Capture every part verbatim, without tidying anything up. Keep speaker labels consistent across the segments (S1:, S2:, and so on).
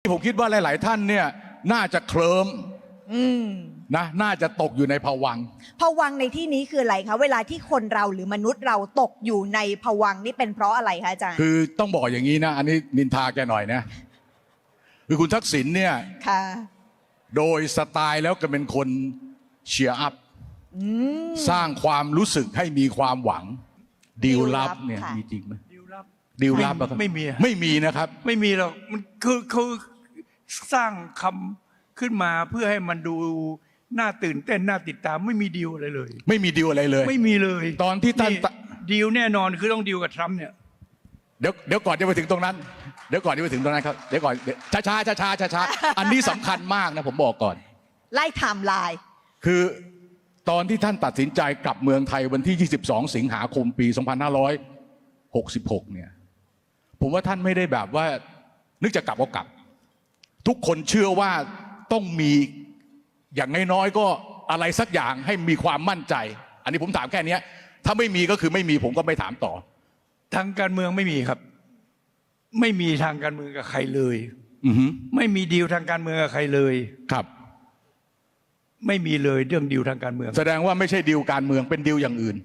S1: ผมคิดว่าหลาย ๆ ท่านเนี่ยน่าจะเคลิ้ม
S2: อืม
S1: นะน่าจะตกอยู่ในภวังค์
S2: ภวังค์ในที่นี้คืออะไรคะเวลาที่คนเราหรือมนุษย์เราตกอยู่ในภวังค์นี่เป็นเพราะอะไรคะอาจารย์
S1: คือต้องบอกอย่างนี้นะ อันนี้นินทาแกหน่อยนะคือคุณทักษิณเนี่ย
S2: ค่ะ
S1: โดยสไตล์แล้วก็เป็นคนเชียร์อัพ
S2: อืม
S1: สร้างความรู้สึกให้มีความหวังดีลลับ
S2: ดีลลับ
S1: เนี่ย
S2: ค่ะ
S1: มีจริงไหม
S3: ดิวลับ
S1: ดีลลับอะครับ
S3: ไม่มีอะ
S1: ไม่มีนะครับ
S3: ไม่มีหรอกมันคือคือสร้างคำขึ้นมาเพื่อให้มันดูน่าตื่นเต้นน่าติดตามไม่มีดีลอะไรเลย
S1: ไม่มีดีลอะไรเลย
S3: ไม่มีเลย
S1: ตอนที่ท่าน
S3: ดีลแน่นอนคือต้องดีลกับทรัมป์เนี่ย
S1: เดี๋ยวเดี๋ยวก่อนจะไปถึงตรงนั้นเดี๋ยวก่อนจะไปถึงตรงนั้นครับเดี๋ยวก่อนช้าช้าช้าช้าช้าช้าๆอันนี้สำคัญมากนะผมบอกก่อน
S2: ไล่ไทม์ไลน์
S1: คือตอนที่ท่านตัดสินใจกลับเมืองไทยวันที่ ยี่สิบสอง สิงหาคมปี สองพันห้าร้อยหกสิบหก เนี่ยผมว่าท่านไม่ได้แบบว่านึกจะกลับก็กลับ ทุกคนเชื่อว่าต้องมีอย่างน้อยๆก็อะไรสักอย่างให้มีความมั่นใจ อันนี้ผมถามแค่นี้ถ้าไม่มีก็คือไม่มีผมก็ไม่ถามต่อ
S3: ทางการเมืองไม่มีครับ ไม่มีทางการเมืองกับใครเลย
S1: อือฮึ
S3: ไม่มีดีลทางการเมืองกับใครเลย
S1: ครับ
S3: ไม่มีเลยเรื่องดีลทางการเมือง
S1: แสดงว่าไม่ใช่ดีลการเมืองเป็นดีลอย่างอื่น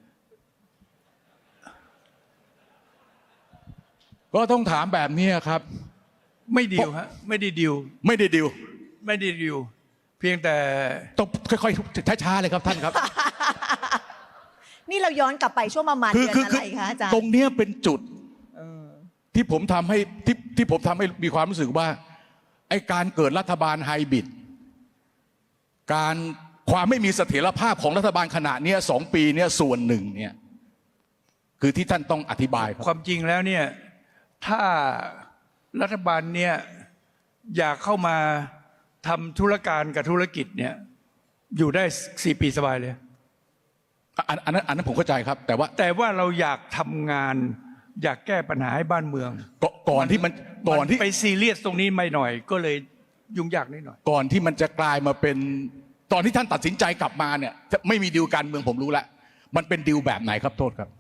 S1: ก็ต้องถามแบบนี้ครับ
S3: ไม่ดีลฮะไม่ได้ดีล
S1: ไม่ได้ดีล
S3: ไม่ได้ดีลเพียงแต่
S1: ต้องค่อยๆช้าๆเลยครับท่านครับ
S2: นี่เราย้อนกลับไปช่วงประมาณ
S1: คือ
S2: เดือน
S1: คือ
S2: อะไรคะอาจาร
S1: ตร
S2: ย์
S1: งเนี้ยเป็นจุด
S2: เออ
S1: ที่ผมทำให้ที่ที่ผมทำให้มีความรู้สึกว่าไอ้การเกิดรัฐบาลไฮบริดการความไม่มีเสถียรภาพของรัฐบาลขณะเนี้ยสองปีเนี้ยส่วนหนึ่งเนี่ยคือที่ท่านต้องอธิบายครับ
S3: ความจริงแล้วเนี่ยถ้ารัฐบาลเนี่ยอยากเข้ามาทำธุรการกับธุรกิจเนี่ยอยู่ได้สี่ปีสบายเลย
S1: อันอันนั้นอันนั้นผมเข้าใจครับ แต่ว่า
S3: แต่ว่าเราอยากทำงานอยากแก้ปัญหาให้บ้านเมือง
S1: ก่อนก่อนที่มันก่อนที่
S3: มัไปซีเรียสตรงนี้ไม่หน่อย ก็เลยยุ่งยากนิดหน่อย
S1: ก่อนที่มันจะกลายมาเป็นตอนที่ท่านตัดสินใจกลับมาเนี่ยจะไม่มีดีลการเมืองผมรู้แล้วมันเป็นดีลแบบไหนครับโทษครับ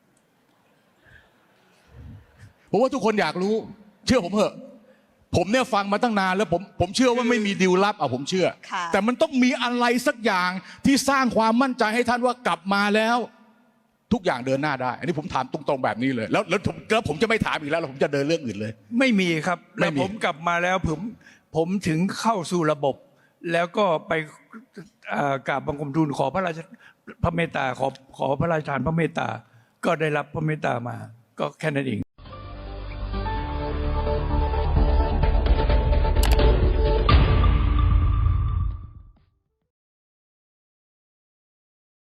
S1: ผมว่าทุกคนอยากรู้ เชื่อผมเถอะผมเนี่ยฟังมาตั้งนานแล้วผมผมเชื่อว่าไม่มีดีลลับอ่ะผมเชื่อ
S2: ค่ะ
S1: แต่มันต้องมีอะไรสักอย่างที่สร้างความมั่นใจให้ท่านว่ากลับมาแล้ว ทุกอย่างเดินหน้าได้ อันนี้ผมถามตรงๆแบบนี้เลย แล้วแล้วผมแล้วผมจะไม่ถามอีกแล้วแล้วผมจะเดินเรื่องอื่นเลย
S3: ไม่มีครับ
S1: ไม่
S3: แล้ว
S1: มี
S3: ผมกลับมาแล้วผมผมถึงเข้าสู่ระบบ แล้วก็ไปเอ่อกราบบังคมทูลขอพระราชพระเมตตาขอขอพระราชทานพระเมตตา ก็ได้รับพระเมตตามา ก็แค่นั้นเอง